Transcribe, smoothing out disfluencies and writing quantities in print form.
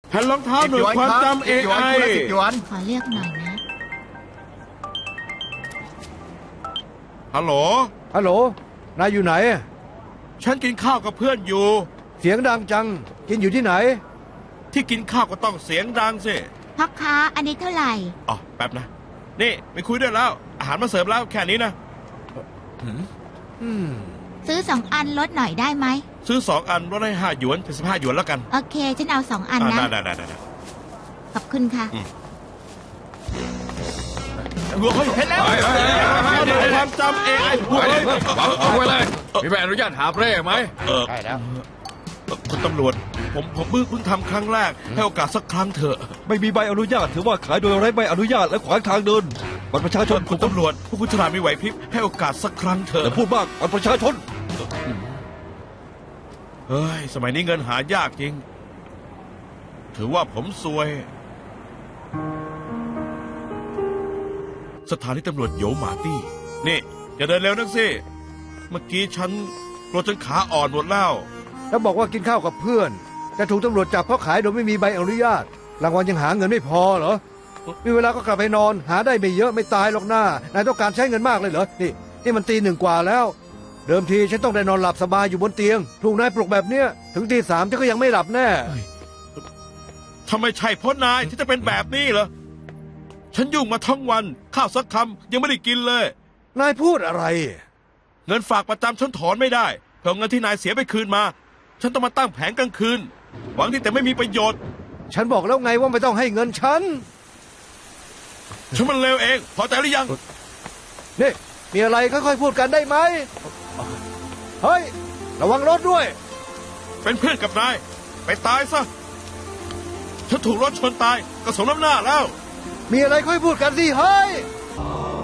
แผ่นรองเท้าหน่วยความจำ AI 10 หยวนขอเลือกหน่อยนะฮัลโหลฮัลโหล นายอยู่ไหนฉันกินข้าวกับเพื่อนอยู่เสียงดังจัง กินอยู่ที่ไหนที่กินข้าวก็ต้องเสียงดังสิพ่อค้าอันนี้เท่าไหร่อ๋อแป๊บนะ นี่ไม่คุยด้วยแล้ว อาหารมาเสิร์ฟแล้วแค่นี้นะซื้อ2 อันลดหน่อยได้ไหมซื้อ2 อันลดให้5 หยวนเป็น15 หยวนแล้วกันโอเค ฉันเอา2 อันนะได้ขอบคุณค่ะเฮ้ยเห็นแล้วหน่วยความจำ AI พวกไปเอ้เลย ยเอาไว้เลย มีใบอนุญาตหาเร่ไหมใช่แล้วคุณตำรวจ ผมเพิ่งทำครั้งแรก ให้โอกาสสักครั้งเถอะไม่มีใบอนุญาตถือว่าขายโดยไร้ใบอนุญาตและขวางทางเดินบัตรประชาชนคุณตำรวจพวกคุณฉลาดมีไหวพริบให้โอกาสสักครั้งเถอย่าอะพูดมากบัตรประชาชนเฮ้ย สมัยนี้เงินหายากจริง ถือว่าผมซวย สถานีตำรวจโยหมาตี้ นี่อย่าเดินเร็วนักสิ เมื่อกี้ฉันกลัวจนขาอ่อนหมดแล้วแล้วบอกว่ากินข้าวกับเพื่อน แต่ถูกตำรวจจับเพราะขายโดยไม่มีใบอนุญาต รางวัลยังหาเงินไม่พอเหรอ มีเวลาก็กลับไปนอน หาได้ไม่เยอะไม่ตายหรอกหน้านายต้องการใช้เงินมากเลยเหรอ นี่มันตี 1 กว่าแล้ว เดิมทีฉันต้องได้นอนหลับสบายอยู่บนเตียง ถูกนายปลุกแบบเนี้ย ถึงตี 3ฉันก็ยังไม่หลับแน่ทำไมใช่เพราะนายที่จะเป็นแบบนี้เหรอ ฉันยุ่งมาทั้งวัน ข้าวสักคำยังไม่ได้กินเลยนายพูดอะไรเงินฝากประจำฉันถอนไม่ได้เพราะเงินที่นายเสียไปคืนมา ฉันต้องมาตั้งแผงกลางคืน หวังที่แต่ไม่มีประโยชน์ฉันบอกแล้วไงว่าไม่ต้องให้เงินฉันฉันมันเลวเอง พอใจหรือยังนี่มีอะไรค่อยๆพูดกันได้ไหม เฮ้ย ระวังรถด้วยเป็นเพื่อนกับนาย ไปตายซะ ฉันถูกรถชนตายก็สมน้ำหน้าแล้วมีอะไรค่อยพูดกันสิเฮ้ย